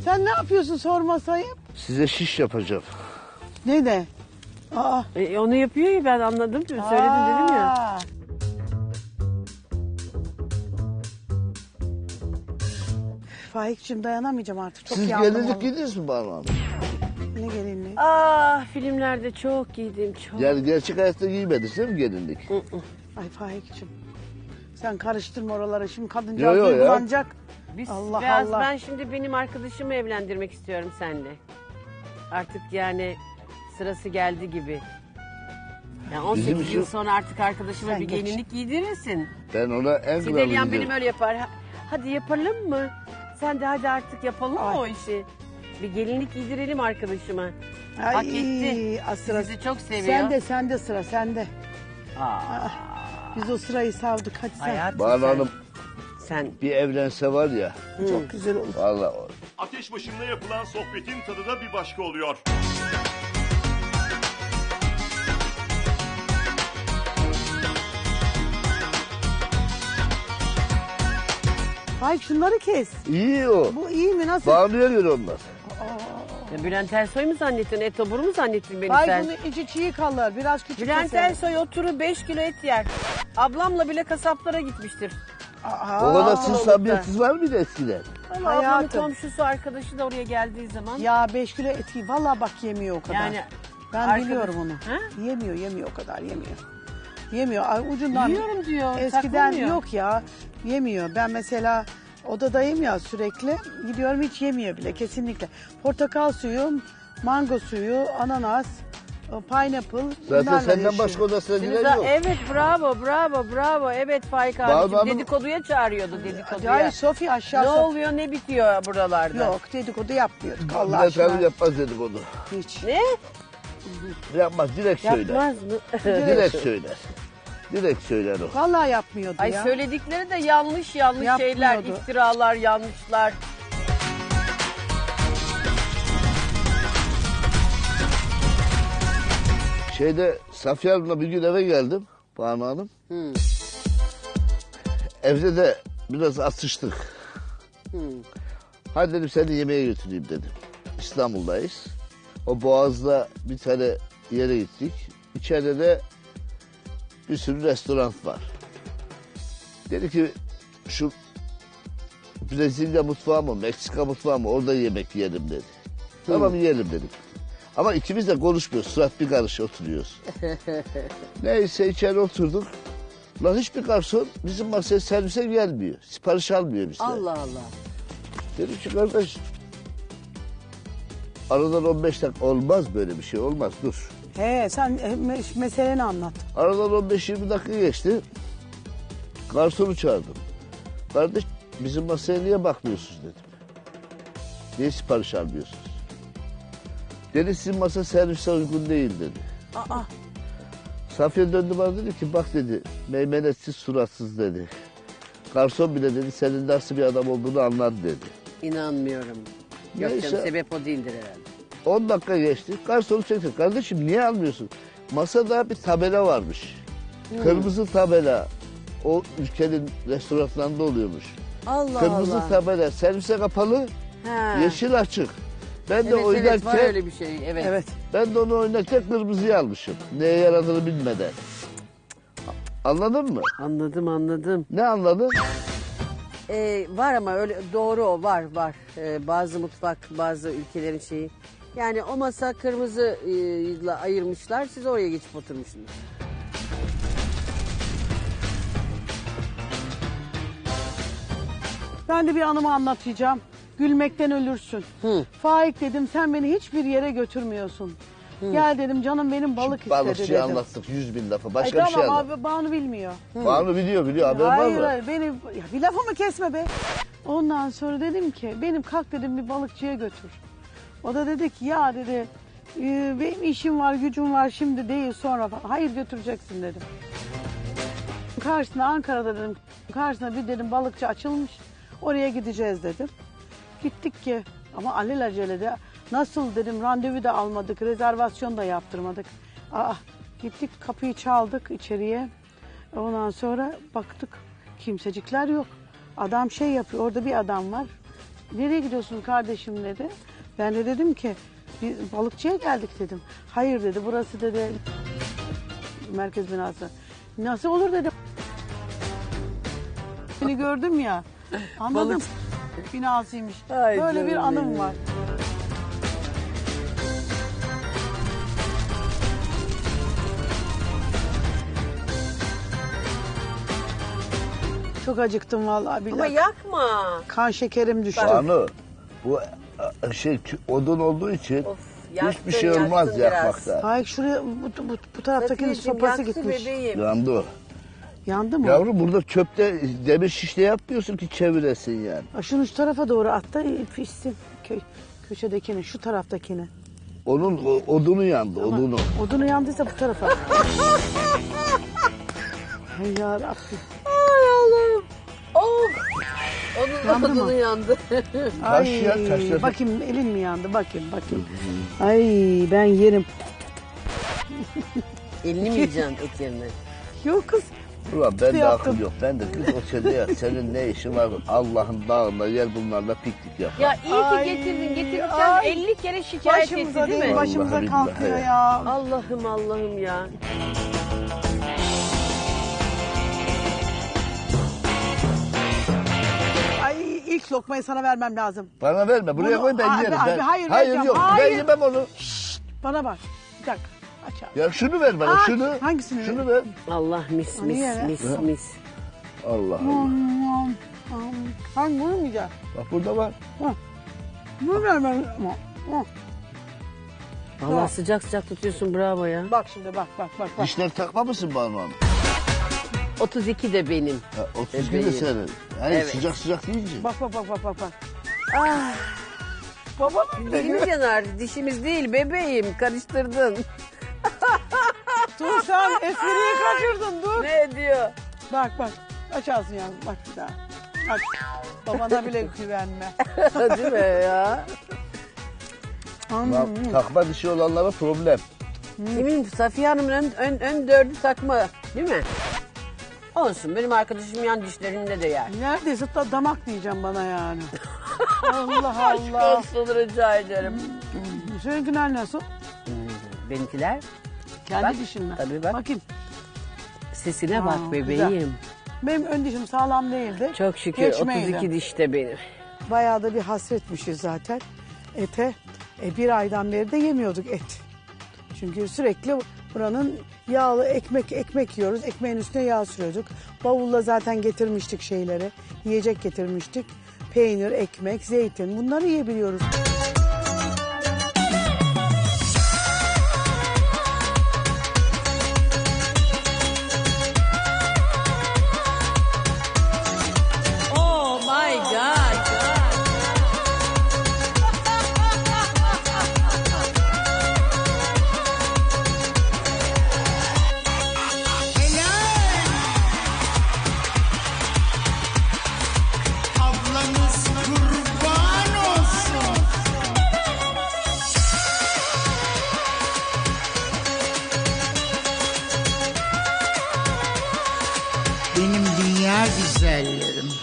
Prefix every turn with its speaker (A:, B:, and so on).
A: Sen ne yapıyorsun sormasayım?
B: Size şiş yapacağım.
A: Ne de? Aa.
C: Onu yapıyor ya, ben anladım. Söyledim dedim ya.
A: Faik'cim dayanamayacağım artık. Çok
B: Siz
A: yandım
B: gelinlik
A: vallahi.
B: giydiniz mi Banu Hanım?
A: Ne gelinliği?
C: Filmlerde çok giydim, çok.
B: Yani gerçek hayatta giymediniz değil mi gelinlik?
A: Ay Faik'cim. Sen karıştırma oraları. Şimdi kadıncağız
B: Yo, yo ya.
A: duygulanacak.
C: Biz,
A: Allah
C: biraz
A: Allah.
C: Ben şimdi benim arkadaşımı evlendirmek istiyorum seninle. Artık yani sırası geldi gibi. Yani 18
B: Bizim
C: yıl
B: için-
C: sonra artık arkadaşıma
A: Sen
C: bir
A: geç.
C: gelinlik giydirirsin.
B: Ben ona en
C: Sideliyan
B: kralını
C: benim
B: derim.
C: öyle yapar. Hadi yapalım mı? Sen de hadi artık yapalım mı
A: Ay.
C: o işi? Bir gelinlik giydirelim arkadaşıma.
A: Ay,
C: Hak etti.
A: sıra.
C: Sizi çok seviyor.
A: Sende sıra sende.
C: Aa,
A: Biz o sırayı savdık hadi sen.
C: hayatım
B: Banu
C: sen-
B: Hanım
C: Sen
B: bir evlense var ya.
A: Çok güzel olur.
B: Vallahi
D: Ateş başında yapılan sohbetin tadı da bir başka oluyor.
A: Faik şunları kes.
B: iyi o.
A: Bu iyi mi nasıl?
B: Banu'ya göre onlar.
C: ya Bülent Ersoy mu zannettin? Etobur mu zannettin beni
A: Faik
C: sen?
A: bunun içi çiğ kalır. Biraz küçük
C: Bülent
A: keselim.
C: Ersoy oturup 5 kilo et yer. Ablamla bile kasaplara gitmiştir.
A: Aa,
B: O kadar siz
C: oldu.
B: samimiyetsiz var mıydı eskiden?
C: Ama ablamın
A: Hayatım.
C: komşusu arkadaşı da oraya geldiği zaman.
A: Ya 5 kilo eti valla bak yemiyor o kadar.
C: Yani
A: ben
C: arkadaş-
A: biliyorum onu.
C: Ha?
A: Yemiyor o kadar yemiyor. Yemiyor. Ay, ucundan.
C: Yiyorum diyor.
A: Eskiden
C: saklamıyor.
A: yok ya. Yemiyor. Ben mesela odadayım ya sürekli. Gidiyorum hiç yemiyor bile kesinlikle. Portakal suyu, mango suyu, ananas, pineapple.
B: Zaten
A: bunlarla
B: senden
A: yaşıyor.
B: başka odasına
C: Şimdi
B: giren yok.
C: evet bravo. Evet Faik
B: Banu
C: abicim
B: Hanım-
C: dedikoduya çağırıyordu dedikoduya.
A: Hayır Sofi aşağı
C: Ne
A: Sofi.
C: oluyor ne bitiyor buralarda?
A: Yok dedikodu yapmıyorduk Allah
B: Bülent
A: aşkına.
B: Hanım yapmaz dedik onu.
A: Hiç.
C: Ne?
B: Yapmaz direkt söyler.
C: Yapmaz mı?
B: Direkt söyler. Direkt söyler o.
A: Vallahi yapmıyordu
C: Ay
A: ya.
C: söyledikleri de yanlış şeyler,
A: Yapmıyordu.
C: iftiralar, yanlışlar.
B: Safiye Hanım'la bir gün eve geldim Banu Hanım. Evde de biraz atıştık. Hadi dedim seni yemeğe götüreyim dedim. İstanbul'dayız. O Boğaz'da bir tane yere gittik. İçeride de bir sürü restoran var. Dedi ki şu Brezilya mutfağı mı, Meksika mutfağı mı orada yemek yiyelim dedi. Tamam yiyelim dedik. Ama ikimiz de konuşmuyoruz. Surat bir karış oturuyoruz. Neyse içeri oturduk. Lan hiçbir garson bizim masaya servise gelmiyor. Sipariş almıyor bizden.
C: Allah Allah.
B: Dedim ki kardeş aradan 15 dakika olmaz böyle bir şey olmaz dur.
A: He sen meseleni anlat.
B: Aradan 15-20 dakika geçti. Garsonu çağırdım. Kardeş bizim masaya niye bakmıyorsunuz dedim. Niye sipariş almıyorsunuz? Dedi sizin masa servise uygun değil dedi.
A: Aa.
B: Safiye döndü bana dedi ki bak dedi meymenetsiz suratsız dedi. Garson bile dedi senin nasıl bir adam olduğunu anlar dedi.
C: İnanmıyorum. Yok
B: Neyse.
C: canım sebep o değildir herhalde.
B: 10 dakika geçti. Garsonu çekti. Kardeşim niye almıyorsun? Masada bir tabela varmış. Kırmızı tabela. O ülkenin restoranlarında oluyormuş.
C: Allah
B: Kırmızı
C: Allah.
B: tabela. Servise kapalı,
C: Ha.
B: yeşil açık. Ben de
C: Evet,
B: oynarken
C: var öyle bir şey. Evet.
A: Evet.
B: ben de onu oynarken kırmızıyı almışım. Neye yaradığını bilmeden. Anladın mı?
C: Anladım.
B: Ne anladın?
C: Var ama öyle doğru o var. Bazı mutfak, bazı ülkelerin şeyi. Yani o masa kırmızıyla ayırmışlar. Siz oraya geçip oturmuşsunuz.
A: Ben de bir anımı anlatacağım. Gülmekten ölürsün. Faik dedim sen beni hiçbir yere götürmüyorsun. Gel dedim canım benim balık istedi
B: Balıkçıyı
A: dedim.
B: anlattık 100.000 defa.
A: Ay
B: Başka bir şey
A: tamam
B: anlat.
A: abi Banu bilmiyor.
B: Banu biliyor haber var
A: Hayır
B: mı?
A: hayır beni ya bir lafımı kesme be. Ondan sonra dedim ki benim kalk dedim bir balıkçıya götür. O da dedi ki ya dedi benim işim var gücüm var şimdi değil sonra falan. Hayır götüreceksin dedim. Karşısında Ankara'da dedim karşısında bir dedim balıkçı açılmış oraya gideceğiz dedim. Gittik ki ama alelacele nasıl dedim randevu da almadık rezervasyon da yaptırmadık. Gittik kapıyı çaldık içeriye. Ondan sonra baktık kimsecikler yok. Adam şey yapıyor orada bir adam var. Nereye gidiyorsun kardeşim dedi. Ben de dedim ki bir balıkçıya geldik dedim. Hayır dedi, burası dedi merkez binası. Nasıl olur dedim. Seni gördüm ya. Anladım. Binasıymış.
C: Ay
A: Böyle bir
C: canım
A: anım
C: benim.
A: var. Çok acıktım vallahi billahi.
C: Ama yakma.
A: Kan şekerim düştü.
B: Banu bu odun olduğu için
C: Of,
B: hiçbir şey olmaz
C: yaktın biraz.
B: yakmakta.
A: Hayır şuraya bu taraftakinin
C: Safiyeciğim,
A: sopası
C: yaktı
A: gitmiş.
C: bebeğim.
B: Yandı o.
A: Yandı mı?
B: Yavrum burada çöpte demir şişle yapmıyorsun ki çeviresin yani.
A: Şunu şu tarafa doğru at da pişsin. Köşedekini, şu taraftakini.
B: Onun odunu yandı, odunu.
A: Odunu yandıysa bu tarafa. Ay yarabbim.
C: Ay Allah'ım. Of. Onun
A: Yandı mı?
C: odunu yandı.
B: Taş ya, taşla-
A: Bakayım elin mi yandı? Bakayım. Ay ben yerim.
C: Elini mi yiyeceksin et yerine?
A: Yok kız.
B: Ulan ben de
A: yaptım.
B: akıl yok. Ben de kız o sende ya. Senin ne işin var? Allah'ın dağında gel bunlarla piknik yap.
C: Ya iyi
A: Ay,
C: ki getirdin. Getirirken
A: ay.
C: 50 kere şikayet etti
A: Başımıza
C: değil
A: değil,
C: mi?
A: başımıza
B: Vallahi
A: kalkıyor
B: billahi.
A: ya.
C: Allah'ım Allah'ım ya.
A: Ay ilk lokmayı sana vermem lazım.
B: Bana verme. Buraya
A: Bunu-
B: koy ben
A: Abi,
B: yerim.
A: abi,
B: Ben,
A: hayır, vereceğim.
B: yok.
A: Hayır.
B: Ben yemem onu.
A: Bana bak. Bir dakika. Aç abi.
B: Ya şunu ver bana.
A: Ay,
B: şunu.
A: hangisini
B: Şunu ver.
C: Allah mis
A: Hani
C: mis
A: yere?
C: mis mis.
B: Allah Allah.
A: Hangi bunu mu yiyeceğim?
B: Bak burada var.
A: Bunu vermem.
C: Allah sıcak sıcak tutuyorsun bravo ya.
A: Bak şimdi bak.
B: Dişler takma mısın Banu Hanım?
C: 32 de benim.
B: Ha, 32 de
C: Bebeğim.
B: senin. Hayır
C: Evet.
B: sıcak sıcak deyince.
A: Bak.
C: Ah,
A: Babanın
C: dilimiz yanar. Dişimiz değil bebeğim. Karıştırdın.
A: Dur sen espriyi kaçırdın dur.
C: Ne diyor?
A: Bak. Aç ağzını yavrum bak bir daha. Aç. Babana bile güvenme.
C: Değil mi ya?
B: Lan, takma dişi olanlara problem.
C: Kimin? Safiye Hanım'ın ön dördü takma. Değil mi? Olsun benim arkadaşım yan dişlerinde de yer.
A: Neredeyse damak diyeceğim bana yani. Allah
C: Aşk
A: Allah.
C: olsun rica ederim.
A: Seninkiler nasıl?
C: Benimkiler
A: Kendi
C: Bak,
A: dişin mi?
C: tabii bak.
A: Bakayım.
C: sesine
A: Aa,
C: bak bebeğim.
A: güzel. Benim ön dişim sağlam değildi.
C: Çok şükür
A: Göçmeydi.
C: 32 dişte benim.
A: Bayağı da bir hasretmişiz zaten ete. Bir aydan beri de yemiyorduk et. Çünkü sürekli buranın yağlı ekmek yiyoruz. Ekmeğin üstüne yağ sürüyorduk. Bavulla zaten getirmiştik şeyleri. Yiyecek getirmiştik. Peynir, ekmek, zeytin bunları yiyebiliyoruz.
C: Oh my God.
E: Ablanız kurban olsun. Benim dünya güzellerim.